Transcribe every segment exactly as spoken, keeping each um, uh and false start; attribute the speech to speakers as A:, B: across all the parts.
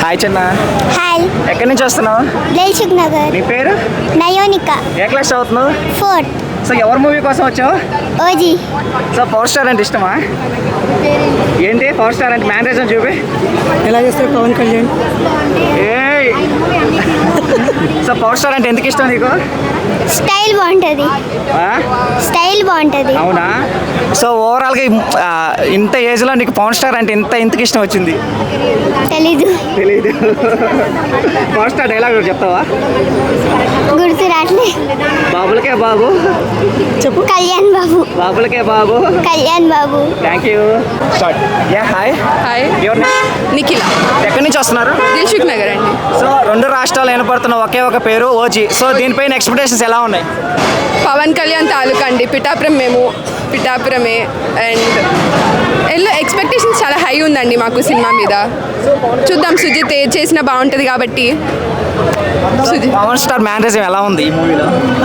A: Hi చిన్న.
B: Hi.
A: ఎక్కడి నుంచి వస్తున్నావు?
B: దిల్సుఖ్ నగర్.
A: నీ పేరు?
B: నయోనిక.
A: ఏ క్లాస్ చదువుతున్నావు?
B: ఫోర్త్.
A: సో ఎవరి మూవీ కోసం వచ్చావు?
B: ఓజీ.
A: సో పవర్ స్టార్ అంటే ఇష్టమా? ఏంటి పవర్ స్టార్ అంటే మ్యానరిజం చూపి
C: ఎలా చేస్తారు పవన్ కళ్యాణ్?
A: ఏయ్ సో పవర్ స్టార్ అంటే ఎందుకు ఇష్టం నీకు?
B: స్టైల్ బాగుంటుంది.
A: ఆ?
B: స్టైల్ బాగుంటుంది.
A: అవునా? సో ఓవరాల్గా ఆ, ఇంత ఏజ్లో నీకు పవర్ స్టార్ అంటే ఇంత ఇంతకు ఇష్టం వచ్చింది?
B: తెలీదు.
A: తెలీదు. పవర్ స్టార్ డైలాగ్ ఒకటి చెప్తావా?
B: గుర్తు రాట్లే.
A: బాబులకే బాబు.
C: చెప్పు.
B: కళ్యాణ్ బాబు.
A: బాబులకే బాబు.
B: Kalyan Babu.
A: Thank you. Start. Yeah hi.
D: Hi,
A: ఎవరు?
D: నిఖిల,
A: ఎక్కడి నుంచి వస్తున్నారు?
D: దిల్సుఖ్ నగర్ అండి.
A: సో రెండు రాష్ట్రాలు ఏర్పడుతున్న ఒకే ఒక పేరు ఓజీ. సో దీనిపైన ఎక్స్పెక్టేషన్స్ ఎలా ఉన్నాయి?
D: పవన్ కళ్యాణ్ తాలూకా అండి, పిఠాపురం మేము పిఠాపురమే. అండ్ ఎల్లో ఎక్స్పెక్టేషన్స్ చాలా హై ఉందండి మాకు సినిమా మీద. చూద్దాం, సుజిత్ ఏది చేసినా బాగుంటుంది కాబట్టి. సుజిత్
A: పవర్ స్టార్ మ్యానరిజం ఎలా ఉంది ఈ మూవీలో?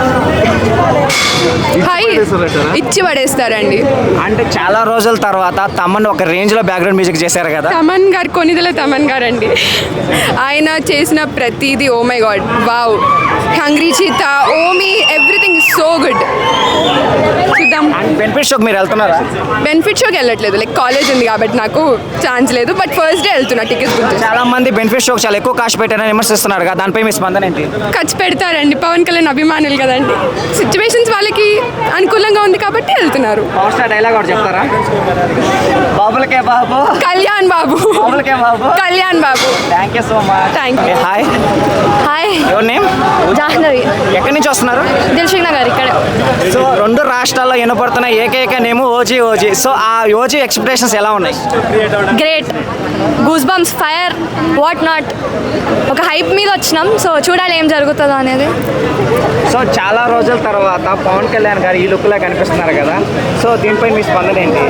D: హై ఇచ్చి పడేస్తారండి.
A: అంటే చాలా రోజుల తర్వాత తమన్ ఒక రేంజ్లో బ్యాక్గ్రౌండ్ మ్యూజిక్ చేశారు కదా.
D: తమన్ గారు, కొనిదెల తమన్ గారు అండి. ఆయన చేసిన ప్రతిదీ oh my god, wow. Hungry cheetah, Omi, everything is so good. చూద్దాం.
A: అండ్ బెనిఫిట్ షోకి మీరు వెళ్తున్నారా?
D: బెనిఫిట్ షోకి వెళ్ళట్లేదు, లైక్ కాలేజ్ ఉంది కాబట్టి నాకు ఛాన్స్ లేదు. బట్ ఫస్ట్ డే వెళ్తున్నా టికెట్స్ గురించి.
A: చాలా మంది బెనిఫిట్ షోకి చాలా ఎక్కువ కాస్ట్ పెట్టారని విమర్శిస్తున్నారు కదా, దానిపై మీ స్పందన ఏంటి?
D: ఖర్చు పెడతారండి, పవన్ కళ్యాణ్ అభిమానులు కదండి. సిచ్యువేషన్స్ వాళ్ళకి అనుకూలంగా ఉంది కాబట్టి వెళ్తున్నారు.
A: పవర్ స్టార్ డైలాగ్ ఒకటి చెప్తారా? బాబులకే బాబు.
D: కళ్యాణ్ బాబు.
A: బాబులకే బాబు.
D: Kalyan Babu.
A: Thank you so much.
D: Thank you.
A: Hi.
E: Hi,
A: ఎవరి నేమ్?
E: జాహ్నవి,
A: ఎక్కడి నుంచి వస్తున్నారు?
E: దిల్సుఖ్ నగర్ ఇక్కడ.
A: సో రెండు రాష్ట్రాల్లో వినపడుతున్న ఏకైక నేమ్ ఓజీ ఓజీ. సో ఆ ఓజీ ఎక్స్పెక్టేషన్స్ ఎలా ఉన్నాయి?
E: Great, goose bumps, fire, what not. ఒక హైప్ మీద వచ్చినాం, సో చూడాలి ఏం జరుగుతుందో అనేది.
A: సో చాలా రోజుల తర్వాత పవన్ కళ్యాణ్ గారు ఈ లుక్లో కనిపిస్తున్నారు కదా, సో దీనిపై మీ స్పందన ఏంటి?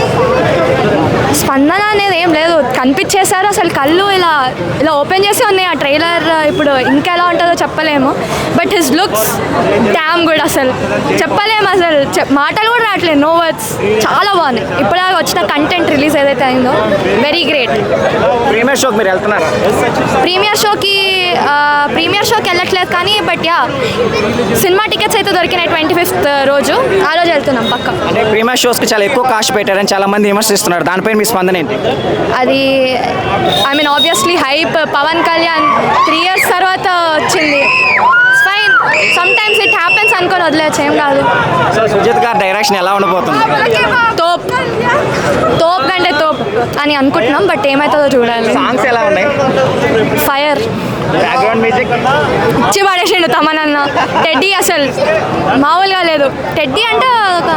E: స్పందన అనేది ఏం లేదు, కనిపించేశారు. అసలు కళ్ళు ఇలా ఇలా ఓపెన్ చేసి ఉన్నాయి. ఆ ట్రైలర్ ఇప్పుడు ఇంకా ఎలా ఉంటుందో చెప్పలేము. But his looks damn good. అసలు చెప్పలేము, అసలు చెప్ మాటలు కూడా రావట్లేదు, నో వర్డ్స్. చాలా బాగుంది. ఇప్పుడు వచ్చిన కంటెంట్ రిలీజ్ ఏదైతే అయిందో వెరీ గ్రేట్.
A: ప్రీమియర్ షోకి మీరు వెళ్తున్నారా?
E: ప్రీమియర్ షోకి ప్రీమియర్ షోకి వెళ్ళట్లేదు కానీ బట్ యా సినిమా టికెట్స్ అయితే దొరికినాయి ట్వంటీ ఫిఫ్త్ రోజు. ఆ రోజు వెళ్తున్నాం పక్క.
A: అంటే ప్రీమియర్ షోస్కి చాలా ఎక్కువ కాస్ట్ పెట్టారని చాలా మంది విమర్శిస్తున్నారు, దానిపై మీ స్పందన ఏంటి?
E: అది I mean obviously hype. Pawan Kalyan three years తర్వాత వచ్చింది. Fine, sometimes it happens అనుకొని వదిలేచ్చు, ఏం కాదు.
A: సో సుజిత్ గారి డైరెక్షన్ ఎలా ఉండబోతుంది?
E: తోప్ తోప్ కంటే తోప్ అని అనుకుంటున్నాం, బట్ ఏమవుతుందో చూడాలి.
A: సాంగ్స్ ఎలా ఉన్నాయి?
E: ఫైర్,
A: బ్యాక్గ్రౌండ్ మ్యూజిక్
E: ఇచ్చి పడేసిండు తమనన్న. టెడ్డీ అసలు మామూలుగా లేదు. టెడ్డీ అంటే ఒక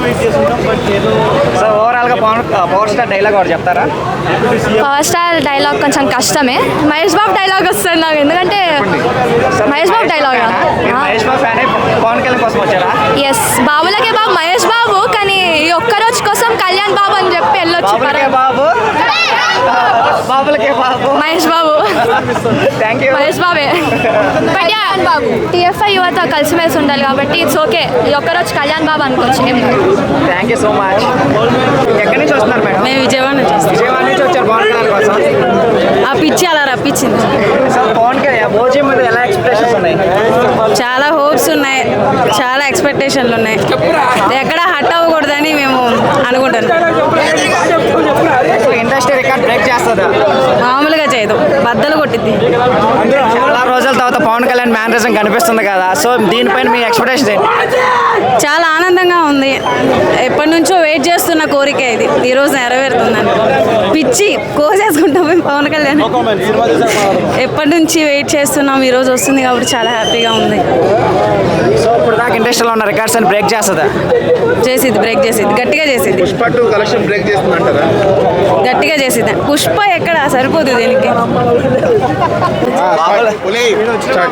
A: సో ఓవరాల్గా పవన్ పవర్ స్టార్ డైలాగ్ ఒకటి చెప్తారా?
E: పవర్ స్టార్ డైలాగ్ కొంచెం కష్టమే. మహేష్ బాబు డైలాగ్ వస్తుంది నాకు, ఎందుకంటే మహేష్ బాబు డైలాగ్.
A: మీరు మహేష్ బాబు ఫ్యాన్ పవన్ కళ్యాణ్ కోసం వచ్చారా?
E: ఎస్, బాబులకే బాబు మహేష్ బాబు, కానీ ఈ ఒక్క రోజు కోసం కళ్యాణ్ బాబు అని చెప్పి వెళ్ళొచ్చు.
A: బాబులకే బాబు. బాబులకే బాబు.
E: మహేష్ బాబు.
A: Thank you.
E: మహేష్ బాబే. బట్ యా టీఎఫ్ఐ యువత కలిసిమెలిసి ఉండాలి కాబట్టి ఇట్స్ ఓకే. ఈ ఒక్కరోజు కళ్యాణ్ బాబు అనుకోవచ్చు, ఏం కాదు.
A: Thank you so much. ఎక్కడి నుంచి వస్తున్నారు మేడం?
C: మేము విజయవాడ నుంచి వస్తాం.
A: విజయవాడ నుంచి వచ్చారు పవన్ కళ్యాణ్ కోసం.
C: ఆ పిచ్చి అలా రప్పించింది.
A: సో పవన్ కళ్యాణ్ ఓజీ మీద ఎలా ఎక్స్పెక్టేషన్స్ ఉన్నాయి?
C: చాలా హోప్స్ ఉన్నాయి, చాలా ఎక్స్పెక్టేషన్లు ఉన్నాయి. ఎక్కడ హట్ అవ్వకూడదని మేము అనుకుంటున్నాం.
A: సో ఇండస్ట్రీ రికార్డ్ బ్రేక్ చేస్తుందా?
C: మామూలుగా చేయదు, బద్దలు కొట్టిద్ది.
A: చాలా రోజుల తర్వాత పవన్ కళ్యాణ్ మ్యానరిజం కనిపిస్తుంది కదా, సో దీనిపైన మీ ఎక్స్పెక్టేషన్ ఏంటి?
C: చాలా ఆనందంగా ఉంది. ఎప్పటి నుంచో వెయిట్ చేస్తున్న కోరిక ఇది, ఈరోజు నెరవేరుతుందని. పిచ్చి కోసేసుకుంటాం మేము పవన్ కళ్యాణ్. ఎప్పటి నుంచి వెయిట్ చేస్తున్నాం, ఈరోజు వస్తుంది కాబట్టి చాలా హ్యాపీగా ఉంది.
A: సో ఇప్పుడు దాకా ఇండస్ట్రీలో ఉన్న రికార్డ్స్ అని బ్రేక్ చేస్తుందా?
C: చేసిద్ది, బ్రేక్ చేసిద్ది, గట్టిగా చేసిద్ది.
F: పుష్ప టూ కలెక్షన్ బ్రేక్ చేస్తుందంటారా?
C: గట్టిగా చేసిద్ది. పుష్ప ఎక్కడ సరిపోదు దీనికి.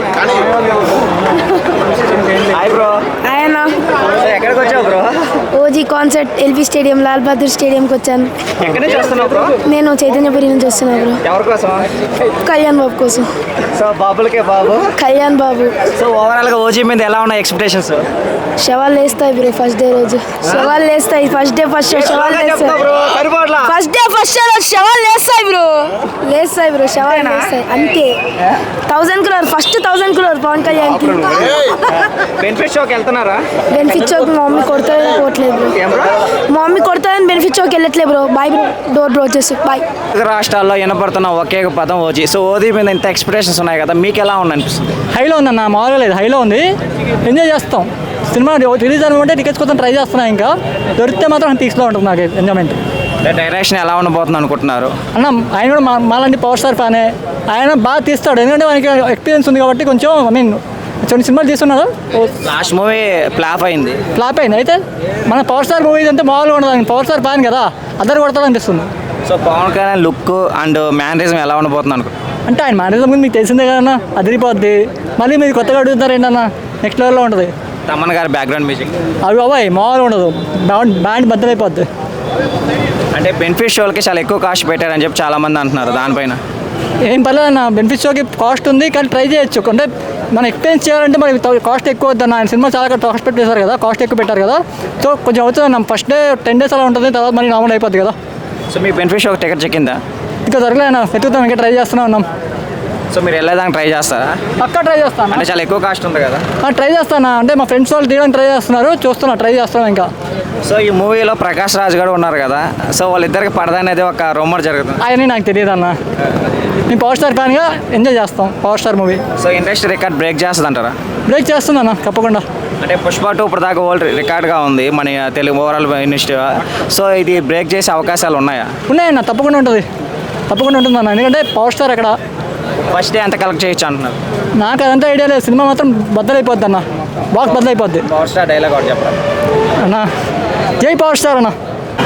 A: Hi bro.
E: ఆయన
A: సో ఎక్కడికి వచ్చావు bro?
E: OG
G: OG concert LB stadium Lal Bahadur స్టేడియంకి వచ్చాను.
A: ఎక్కడి నుంచి వస్తున్నావు బ్రో?
G: నేను చైతన్యపురి నుంచి వస్తున్నా బ్రో.
A: ఎవరి కోసం?
G: కళ్యాణ్ బాబు కోసం.
A: సో బాబులకే బాబు.
G: కళ్యాణ్ బాబు.
A: సో ఓవరాల్ గా ఓజీ మీద ఎలా ఉన్నాయి ఎక్స్పెక్టేషన్స్?
G: శవాలు వేస్తాయి బ్రో ఫస్ట్ డే రోజు. శవాలు వేస్తాయి ఫస్ట్ డే ఫస్ట్ షో శవాలు వేస్తాయి. ఫస్ట్ డే ఫస్ట్ షో రోజు శవాలు వేస్తాయి బ్రో. వేస్తాయి బ్రో శవాలు వేస్తాయి అంతే. Thousand crore first thousand crore Pawan Kalyan కి.
A: బెనిఫిట్ షోకి వెళ్తున్నారా?
G: బెనిఫిట్ షోకి మా మమ్మీ కొడతాదని పోవట్లేదు బ్రో. మా మమ్మీ కొడతాదని బెనిఫిట్ షోకి వెళ్ళట్లేదు bro. Bye bro. Door bro వచ్చేసి బాయ్.
A: రాష్ట్రాల్లో వినపడుతున్న ఒకే ఒక పదం ఓజీ. సో ఓజీ మీద ఇంత ఎక్స్పెక్టేషన్స్ ఉన్నాయి కదా, మీకు ఎలా ఉంది అనిపిస్తుంది?
H: హైలో ఉందన్న, మామూలుగా లేదు, హైలో ఉంది. ఎంజాయ్ చేస్తాం. సినిమా రిలీజ్ అనుకుంటే టికెట్స్ కోసం ట్రై చేస్తున్నా. ఇంకా దొరికితే మాత్రం పీక్స్లో ఉంటుంది నాకు ఎంజాయ్మెంట్.
A: డైరెక్షన్ ఎలా ఉండబోతుంది అనుకుంటున్నారు?
H: అన్న ఆయన కూడా మా మాలాంటి పవర్ స్టార్ ఫ్యానే. ఆయన బాగా తీస్తాడు, ఎందుకంటే మనకి ఎక్స్పీరియన్స్ ఉంది కాబట్టి. కొంచెం ఐ మీన్ కొన్ని సినిమాలు తీస్తున్నారు.
A: లాస్ట్ మూవీ ఫ్లాప్ అయింది.
H: ఫ్లాప్ అయింది. అయితే మన పవర్ స్టార్ మూవీస్ అంతా మామూలుగా ఉండదు. ఆయన పవర్ స్టార్ ఫ్యాన్ కదా, అద్దరు కొడతాడు అనిపిస్తుంది.
A: So Pawan Kalyan look and mannerism ఎలా ఉండబోతుంది అనుకో?
H: అంటే ఆయన మేనేజర్ గురించి మీకు తెలిసిందే కదన్నా, అదిరిపోద్ది. మళ్ళీ మీరు కొత్తగా అడుగుతారు ఏంటన్నా, నెక్స్ట్ లెవెల్లో ఉంటుంది.
A: తమన్ గారి బ్యాక్గ్రౌండ్ మ్యూజిక్
H: అవి బాబాయ్ మామూలుగా ఉండదు. బ్యాండ్ బ్యాండ్ బద్దలైపోద్ది.
A: అంటే బెనిఫిట్ షోలకి చాలా ఎక్కువ కాస్ట్ పెట్టారని చెప్పి చాలా మంది అంటున్నారు. దానిపైన
H: ఏం పర్లేదు అన్న, బెనిఫిట్ షోకి కాస్ట్ ఉంది కానీ ట్రై చేయొచ్చు. అంటే మనం ఎక్స్పీరియన్స్ చేయాలంటే మనకి కాస్ట్ ఎక్కువ వద్దన్న. ఆయన సినిమా చాలా కాస్ట్ పెట్టేశారు కదా, కాస్ట్ ఎక్కువ పెట్టారు కదా. సో కొంచెం అవుతుంది అన్న. ఫస్ట్ డే టెన్ డేస్ అలా ఉంటుంది, తర్వాత మళ్ళీ నార్మల్ అయిపోద్ది కదా.
A: సో మీ బెనిఫిట్ షోకి టికెట్ చెక్కిందా?
H: ఇంకా దొరకలే అన్న, వెతుకుతాం, ఇంకా ట్రై చేస్తూనే ఉన్నాం.
A: సో మీరు వెళ్ళేదానికి ట్రై చేస్తారా?
H: పక్కా ట్రై చేస్తాను.
A: అంటే చాలా ఎక్కువ కాస్ట్ ఉంది కదా.
H: ట్రై చేస్తాను. అంటే మా ఫ్రెండ్స్ వాళ్ళు తీయడానికి ట్రై చేస్తున్నారు, చూస్తున్నా, ట్రై చేస్తున్నాం ఇంకా.
A: సో ఈ మూవీలో ప్రకాష్ రాజ్ గారు ఉన్నారు కదా, సో వాళ్ళిద్దరికి పడదా అనేది ఒక రూమర్ జరుగుతుంది.
H: ఆయన నాకు తెలియదు అన్న. మేము పవర్ స్టార్ ఫ్యాన్గా ఎంజాయ్ చేస్తాం power star movie.
A: So industry record break చేస్తుంది అంటారా?
H: బ్రేక్ చేస్తుంది అన్న తప్పకుండా.
A: అంటే పుష్ప టూ ఇప్పుడు దాకా వరల్డ్ రికార్డ్గా ఉంది మన తెలుగు ఓవరాల్ ఇండస్ట్రీ. సో ఇది బ్రేక్ చేసే అవకాశాలు ఉన్నాయా?
H: ఉన్నాయన్న, తప్పకుండా ఉంటుంది, తప్పకుండా ఉంటుంది అన్న. ఎందుకంటే పవర్ స్టార్ అక్కడ
A: ఫస్ట్ డే ఎంత కలెక్ట్ చేయొచ్చు అంటున్నారు?
H: నాకు అదంతా ఐడియా లేదు. సినిమా మాత్రం బద్దలైపోద్ది అన్న, బాక్స్ బద్దలైపోద్ది
A: పవర్ స్టార్ డైలాగ్ ఒకటి చెప్పరా
H: అన్న. జై పవర్ స్టార్ అన్న.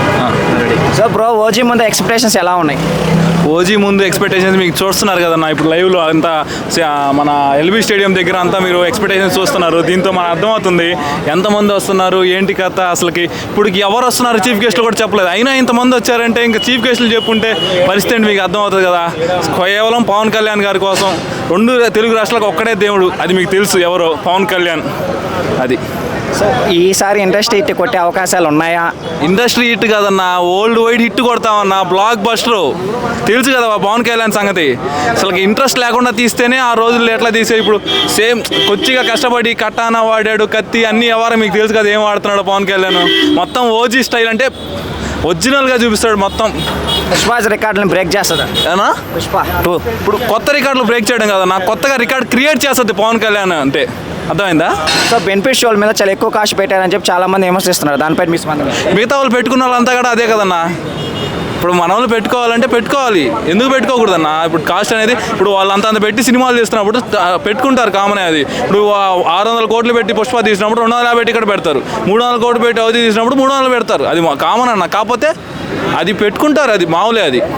A: సో బ్రో ఓజీ ముందు ఎక్స్పెక్టేషన్స్ ఎలా ఉన్నాయి?
I: ఓజీ ముందు ఎక్స్పెక్టేషన్స్ మీకు చూస్తున్నారు కదన్నా, ఇప్పుడు లైవ్లో అంతా మన ఎల్బీ స్టేడియం దగ్గర అంతా మీరు ఎక్స్పెక్టేషన్స్ చూస్తున్నారు. దీంతో మనకు అర్థమవుతుంది ఎంతమంది వస్తున్నారు, ఏంటి కథ అసలుకి. ఇప్పుడు ఎవరు వస్తున్నారు చీఫ్ గెస్ట్లు కూడా చెప్పలేదు, అయినా ఇంతమంది వచ్చారంటే ఇంకా చీఫ్ గెస్ట్లు చెప్పుంటే పరిస్థితి ఏంటి మీకు అర్థమవుతుంది కదా. కేవలం పవన్ కళ్యాణ్ గారి కోసం రెండు తెలుగు రాష్ట్రాలకు ఒక్కడే దేవుడు, అది మీకు తెలుసు ఎవరో, పవన్ కళ్యాణ్. అది
A: సో ఈసారి ఇండస్ట్రీ హిట్ కొట్టే అవకాశాలు ఉన్నాయా?
I: ఇండస్ట్రీ హిట్ కదన్నా, వరల్డ్ వైడ్ హిట్ కొడతామన్నా, బ్లాక్ బస్టర్. తెలుసు కదా పవన్ కళ్యాణ్ సంగతి. అసలు ఇంట్రెస్ట్ లేకుండా తీస్తేనే ఆ రోజుల్లో ఎట్లా తీసే. ఇప్పుడు సేమ్ కొద్దిగా కష్టపడి కట్టానా వాడాడు, కత్తి అన్ని వ్యవహారం మీకు తెలుసు కదా ఏం వాడుతున్నాడు పవన్ కళ్యాణ్. మొత్తం ఓజీ స్టైల్ అంటే ఒరిజినల్గా చూపిస్తాడు మొత్తం.
A: పుష్ప రికార్డులను బ్రేక్ చేస్తుందా?
I: ఏనా
A: పుష్ప టూ
I: ఇప్పుడు కొత్త రికార్డులు బ్రేక్ చేయడం కదా, నాకు కొత్తగా రికార్డ్ క్రియేట్ చేస్తుంది పవన్ కళ్యాణ్ అంటే. అర్థమైందా?
A: సో బెనిఫిట్ షోల మీద చాలా ఎక్కువ కాస్ట్ పెట్టారని చెప్పి చాలా మంది విమర్శిస్తున్నారు. దానిపై మీ స్పందన?
I: మిగతా వాళ్ళు పెట్టుకున్న వాళ్ళంతా కూడా అదే కదన్నా. ఇప్పుడు మన వాళ్ళు పెట్టుకోవాలంటే పెట్టుకోవాలి, ఎందుకు పెట్టుకోకూడదన్నా. ఇప్పుడు కాస్ట్ అనేది ఇప్పుడు వాళ్ళంతా అంత పెట్టి సినిమాలు తీస్తున్నప్పుడు పెట్టుకుంటారు, కామనే అది. ఇప్పుడు ఆరు వందల కోట్లు పెట్టి పుష్ప తీసినప్పుడు రెండు వందల యాభై ఇక్కడ పెడతారు, మూడు వందల కోట్లు పెట్టి అవధి తీసినప్పుడు మూడు వందలు పెడతారు. అది కామన్ అన్న. కాకపోతే అది పెట్టుకుంటారు, అది మామూలే అది.